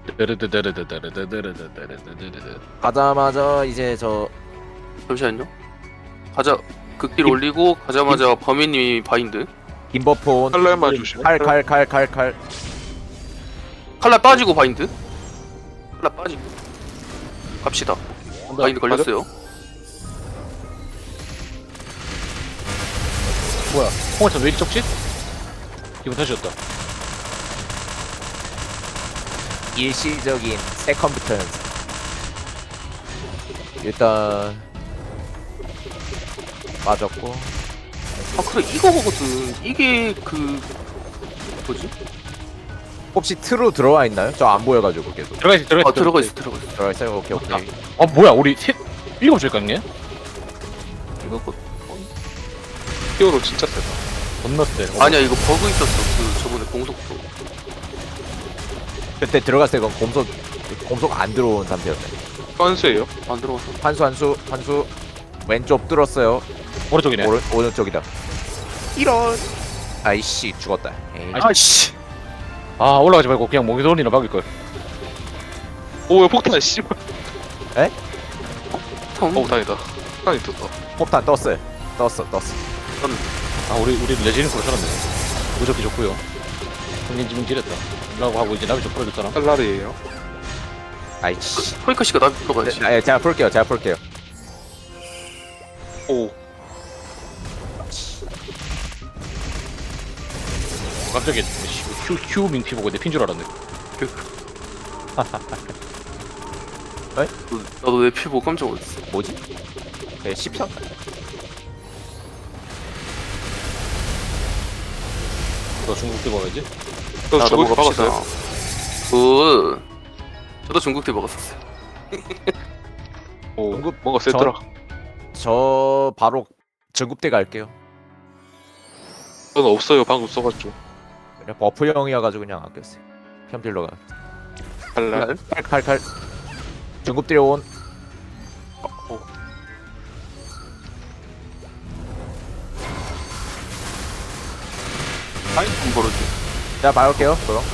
가자마자 이제 저 잠시만요. 가자. 극딜 올리고 가자마자 범인님이 바인드. 김버폰 칼날만 조심해. 칼 칼날 빠지고 바인드. 칼날 빠지고. 갑시다. 바인드 걸렸어요. 뭐야? 홍어탄 왜 이리 적지? 기분 탓이었다. 일시적인 세컨드 턴. 일단 빠졌고 아 그래 이거거든. 이게 그 뭐지? 혹시 트로 들어와 있나요? 저 안 보여가지고 계속 들어가 있어, 들어가 있어. 아 들어가 있어 들어가 있어. 들어와 있어요. 오케이 오케이. 아 뭐야? 우리 셋 일곱 줄 깎네? 이거 히어로 진짜 세다. 겁나 세. 아니야 이거 버그 있었어. 그 저번에 공속도. 그때 들어갔을 때 그건 공속 안 들어온 상태였네. 선수예요. 안 들어갔어. 환수 왼쪽 뚫었어요. 오른쪽이네. 오른쪽이다. 이런. 아이씨 죽었다. 에이. 아씨. 아 올라가지 말고 그냥 몽기돈이나 박을 걸. 오왜 폭탄 씨발. 텅. 다행이다. 폭탄이 떴다. 폭탄 떴어요. 떴어. 아 우리 레지링크로 살았네. 무적기 좋고요. 흥민지민 지렸다. 라고 하고 이제 나비 좀 풀어줬잖아. 칼날이에요. 아이씨. 허이카 씨가 나비 들어가야지. 네, 제가 풀게요. 오 깜짝이야. 휴 민피 보고 내 핀 줄 알았네. 나도 내 피 보고 깜짝 놀랐어. 뭐지? 네, 10편? 너 중국 때 먹어야지. 저 나도 저거 먹읍시다. 박았어요. 굿. 저도 중국 때 먹었었어요. 오 중국- 뭔가 세더라. 저 바로 전국대 갈게요. 저는 없어요. 방금 써가지고. 그냥 버프형이어가지고 그냥 아꼈어요. 편필러가. 칼날. 칼. 전국대 온. 아이 좀 벌어지. 자, 봐볼게요. 그럼.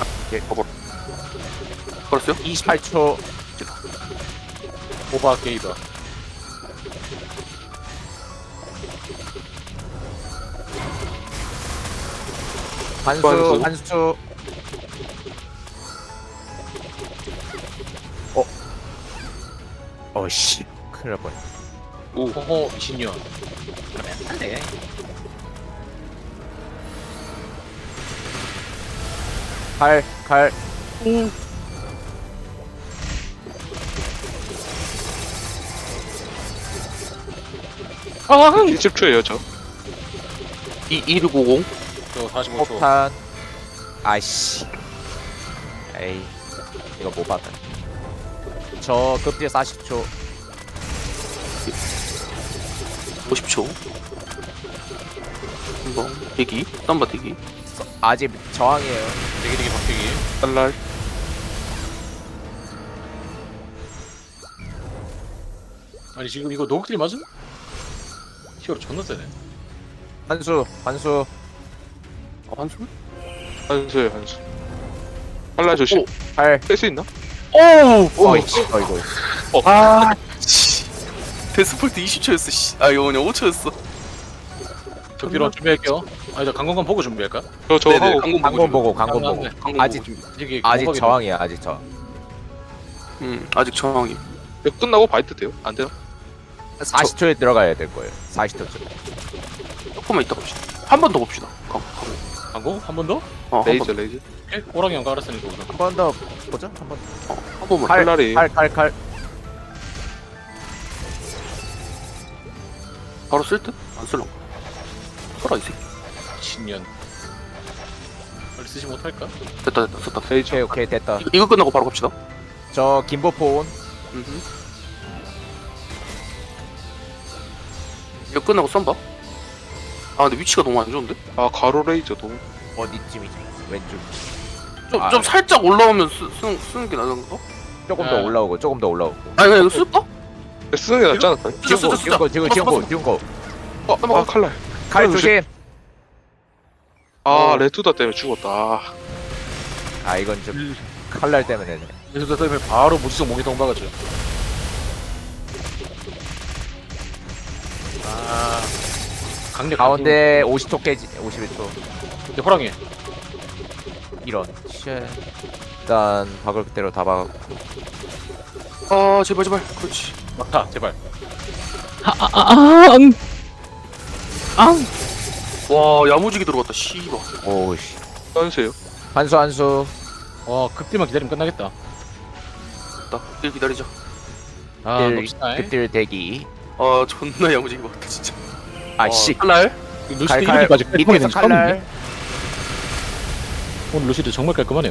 벌었어요? 28초. 오바 게이바. 환수. 어씨. 큰일 날 뻔. 홍호 미신년. 그러면 안 돼. 칼. 아 20초예요 저. 2150. 저 45초. 폭탄. 아이씨. 에이. 이거 못 봤다. 저 급딜 40초. 50초. 한번 대기. 쌈바 대기. 아직 저항이에요. 되게 바뀌기. 칼날. 아니 지금 이거 노극딜 맞음? 히어로 존나 세네. 환수. 한술? 한수예요 한수. 칼날 조심. 칼. 뺄 수 있나? 어이씨. 어이구. 아. 씨. 데스폴트 20초였어. 씨. 아 이거 그냥 5초였어. 저 뒤로 준비할게요. 아니 저 강건관 보고 준비할까? 저 네네. 하고 강건 보고. 강공 아직 보고. 이게 아직 공박이네. 저항이야. 아직 저. 아직 저항이. 이거 끝나고 바이트 돼요? 안 돼요? 40초에 들어가야 될 거예요. 40초쯤. 조금만 이따 봅시다. 한 번 더 봅시다. 강공 한 번 더? 한 레이저 번. 레이저. 오케이. 호랑이 형 깔았으니까 우선. 한 번 더 보죠. 한 번. 한 번만. 칼. 칼날이. 칼. 바로 쓸 듯? 안 쓸라. 써라 이 새끼. 미신년. 빨리 쓰지 못할까? 됐다 썼다. 레이저. 오케이 됐다. 이거 끝나고 바로 갑시다. 저 김보포 온. 이거 끝나고 쌈바. 아 근데 위치가 너무 안 좋은데? 아 가로 레이저 너무. 어디쯤이지? 왼쪽. 좀, 아, 좀 살짝 올라오면 쓰는 게 나은가? 조금 네. 더 올라오고. 아니 그냥 이거 쓸까? 쓰는 게 낫지 않을까요? 지운 거. 아 칼날. 칼 조심. 아 레투다 때문에 죽었다. 아 이건 좀 칼날 때문에. 그래서 때문에 바로 무지성 목에 동박았죠. 아 강력 가운데 50초 깨지 51초 근데 호랑이 이런 쉣. 일단 박을 그대로 다 박았고 아 제발 제발. 그렇지. 막타 제발. 와 야무지게 들어갔다. 씨발. 오우씨 선수예요. 한수 급딜만 기다리면 끝나겠다. 나 일 기다리자. 아 딜, 놉시다. 그딜 대기 아 존나 야무지게 막다 진짜. 아씨 칼날. 루시드 칼칼 이렇게까지 깔끔하게 밑에서 된지 처음인데? 칼날 오늘 루시드 정말 깔끔하네요.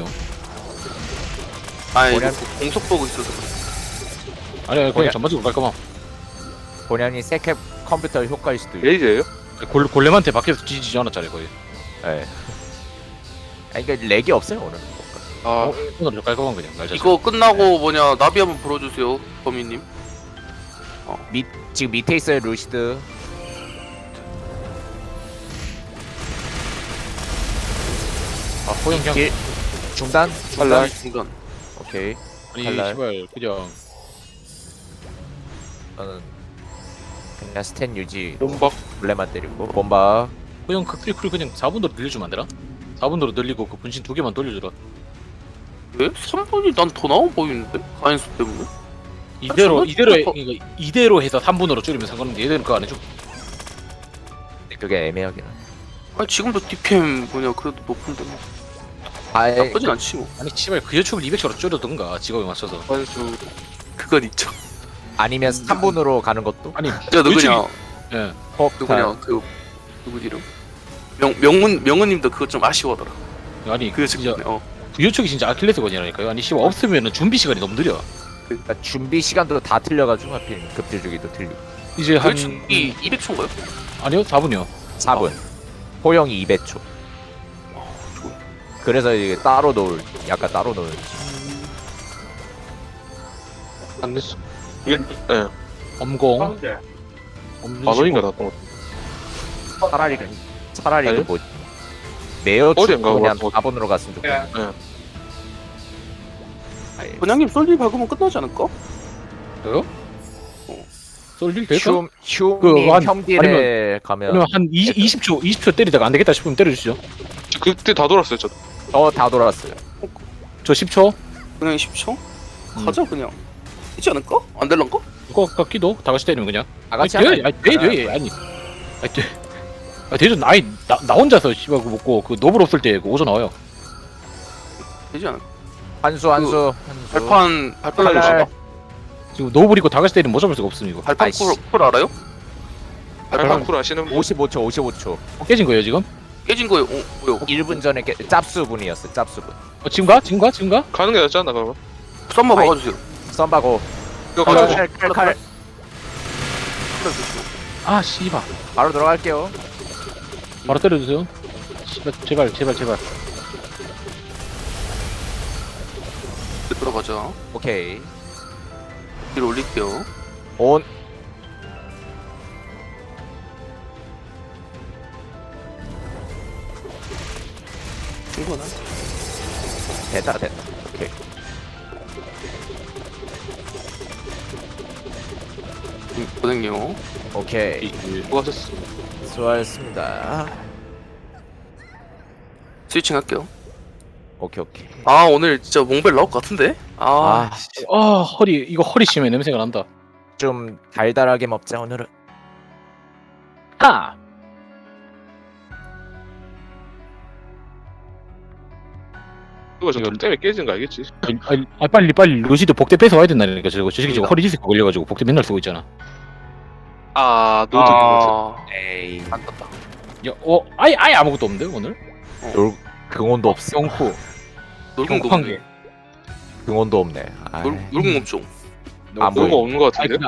아이 뭐냐? 공속 보고 있어서. 아니 그냥 뭐냐? 전반적으로 깔끔함. 본연이 세캡 컴퓨터 효과일 수도 있고 레이저예요? 골렘한테 밖에서 뒤지지 않았잖아요 거의. 예. 아니 그러니까 렉이 없어요 오늘 아 오늘 좀 깔끔한 그냥 날 자체. 이거 끝나고 뭐냐 나비 한번 불어주세요 범인님. 지금 밑에 있어요 루시드 아 호영 그냥 길 중단 칼날 중간. 오케이 아니 칼날. 씨발 그냥 저는 그냥 스탠 유지 몸박. 블레만 때리고 bomba 호영 극딜쿨 그냥 4분으로 늘려주면 안 되나? 4분으로 늘리고 그 분신 2개만 돌려주라. 왜? 3분이 난 더 나와 보이는데? 가인수 때문에? 이대로 저거 이대로 진짜 그러니까 이대로 해서 3분으로 줄이면 상관없는데 얘들은 그거 안 해줘. 그게 애매하긴 하 아니 지금도 DPM 뭐냐 그래도 높은데 뭐 아예 나쁘진 않지 뭐. 아니 씨발 그 여축을 200초로 줄여든가 직업에 맞춰서. 선수. 그건 있죠. 아니면 3분으로 가는 것도 아니 진짜 누구냐 예. 누구냐 그 누구 이름? 명은님도 그거 좀 아쉬워하더라. 아니 그 진짜 진짜 그 여축이 진짜 아킬레스건이라니까요. 아니 씨발 없으면은 준비 시간이 너무 느려. 그러니까 준비 시간도 다 틀려가지고 하필 급질 주기도 틀리고 이제 한 이 200초인가요? 아니요 4분이요. 4분 호영이 200초 좋아. 그래서 이게 따로 놓을 약간 따로 놓을 안 냈어. 이게 예. 엄공. 만 원인가 났던 것. 차라리 아니? 그 뭐 매어 어디인가 그냥 그거. 4분으로 갔으면 좋겠네 예. 아예. 번양님 솔리 박으면 끝나지 않을까? 저요? 쏠릴 될까? 휴 그 님 한- 형딜에 가면 그러면 한 20초 때리다가 안 되겠다 싶으면 때려주시죠. 그때 다 돌았어요 저도. 다 돌았어요 저 10초. 그냥 10초? 가자 그냥. 되지 않을까? 안 될란가? 그거 같기도 다 같이 때리면 그냥. 다 같이 아니, 하면 돼, 아니. 아니, 돼. 아, 대전 나 혼자서 씨발 그 먹고 그 노블 없을 때 그 오전 나와요. 되지 않을까? 한수 발판 칼날. 알아? 지금 노블 있고 다 같이 때리면 못 잡을 수가 없음 이거. 발판 아이씨. 쿨 알아요? 발판 쿨 아시는 분? 55초 깨진 거예요 지금? 깨진 거예요. 뭐요? 1분 전에 짭수분이었어 짭수분 지금 가? 가는 게 낫지 않나 그러면? 썸마 아이. 박아주세요. 썬바고 이거 가지고 칼 칼날 조심. 아 씨발. 바로 들어갈게요 바로 때려주세요. 씨발 제발. 들어가자. 오케이 뒤로 올릴게요. 온 충분한. 됐다 오케이 고생요. 오케이 수고하셨어. 수고하셨습니다 스위칭 할게요. 오케이 아 오늘 진짜 몽벨 나올 것 같은데? 아, 아 허리 심해 냄새가 난다. 좀 달달하게 먹자 오늘은 하. 이거 저 때문에 깨지는 거 알겠지? 빨리 루시드 복대 뺏어 와야 된다니까 저거 저 새끼 지금 허리 디스크 걸려가지고 복대 맨날 쓰고 있잖아. 아 노드 아... 에이 안 떴다. 아예 아무것도 없는데 오늘? 근원도 없어 영쿠 놀궁도 한 없네. 개. 근원도 없네 아이. 놀궁 없죠. 안 그런 거 보여 없는 거 아니 같은데?